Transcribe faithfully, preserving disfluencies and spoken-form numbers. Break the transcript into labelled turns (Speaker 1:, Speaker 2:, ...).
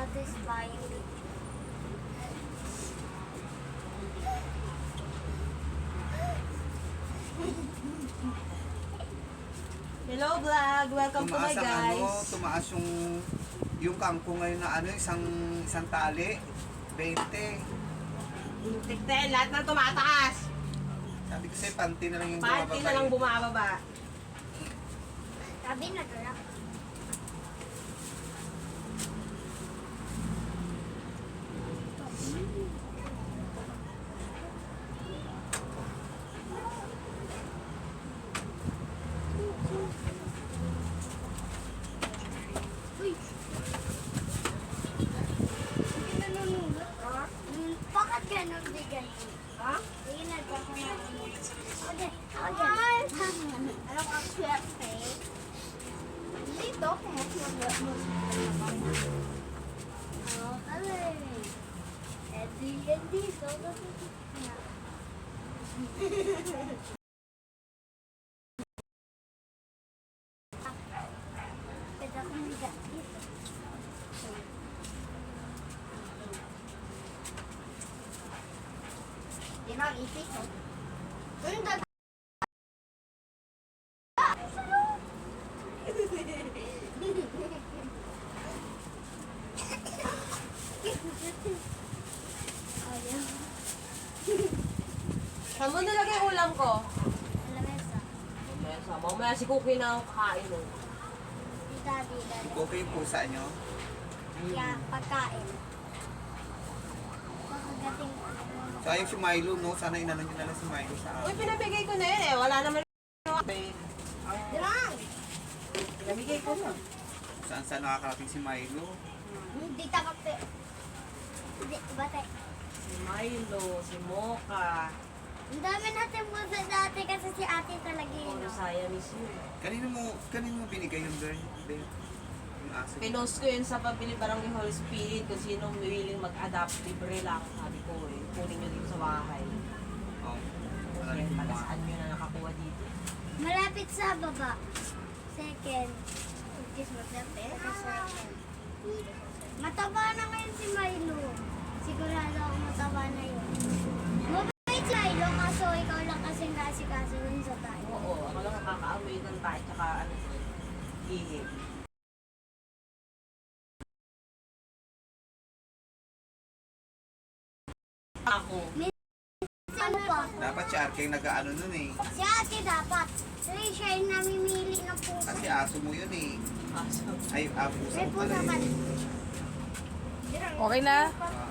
Speaker 1: satisfying.
Speaker 2: Hello vlog! Welcome to my
Speaker 3: Tumaas ang
Speaker 2: guys!
Speaker 3: ano, tumaas yung yung kangkong ngayon na ano, isang isang tali, twenty.
Speaker 2: Tikten, lahat ng tumataas!
Speaker 3: Sabi ko sa'yo, panty na lang yung
Speaker 2: Party na lang bumababa.
Speaker 1: Sabi na to lang. Uy! Hindi nanunulot, ha? Hmm, bakit ganun di ganun? Ha? Sige, nagkakanaan. Okay, okay. Anong ang swerte? Dito, kung mas mag-musik na Oh, alay. Edi, edi, so, Pwede akong higa dito. Di na, ipis, oh. Ang dag- Ayaw.
Speaker 2: Saan mo nilagay yung ulam ko?
Speaker 1: Lamesa.
Speaker 2: Mamaya, mamaya si Cookie na ang kakain mo.
Speaker 1: Di daddy, daddy.
Speaker 3: Okay yung pusa nyo.
Speaker 1: Kaya pagkain. Pagkagating
Speaker 3: So ayun si Milo, no? Sana inanon nyo na lang si Milo sa
Speaker 2: Uy,
Speaker 3: akin.
Speaker 2: pinabigay ko na yun eh. Wala naman yung
Speaker 1: Dirang!
Speaker 2: pinabigay ko na.
Speaker 3: Saan saan nakakarating si Milo?
Speaker 1: Hindi takapte. Hindi, bate.
Speaker 2: Si Milo, si Mocha,
Speaker 1: Ang dami natin pusa dati kasi si ate talaga yun.
Speaker 2: Puro
Speaker 1: no?
Speaker 2: saya miss you.
Speaker 3: Kanino mo, kanino mo binigay yung girl? Ben? Yung aso.
Speaker 2: Pinost ko yun sa pabili Barangay Holy Spirit kung sinong willing mag-adapt, libre lang. Sabi ko eh, kunin nyo dito sa bahay.
Speaker 3: Oh, wala
Speaker 2: Kasi
Speaker 3: rin yung mga.
Speaker 2: palasaan nyo na nakakuha dito.
Speaker 1: Malapit sa baba. Second. Which is malapit. Second. Mataba na ngayon si Milo. Sigurado ako mataba na yun. Mabait si Milo kaso ikaw lang kasi nasikaso dun sa tayo.
Speaker 2: Oo, ako lang nakakaamoy ng tayo tsaka ano, ihi. Ako.
Speaker 1: Ano pa?
Speaker 3: Dapat si Arke yung nag-ano nun eh.
Speaker 1: Si ate dapat. Kasi siya yung namimili ng puso.
Speaker 3: Kasi aso mo yun eh.
Speaker 2: Aso.
Speaker 3: Ay, ah, pusa
Speaker 1: May
Speaker 3: mo pala
Speaker 1: puso
Speaker 3: eh.
Speaker 1: ka.
Speaker 4: Okay na?
Speaker 3: Ah,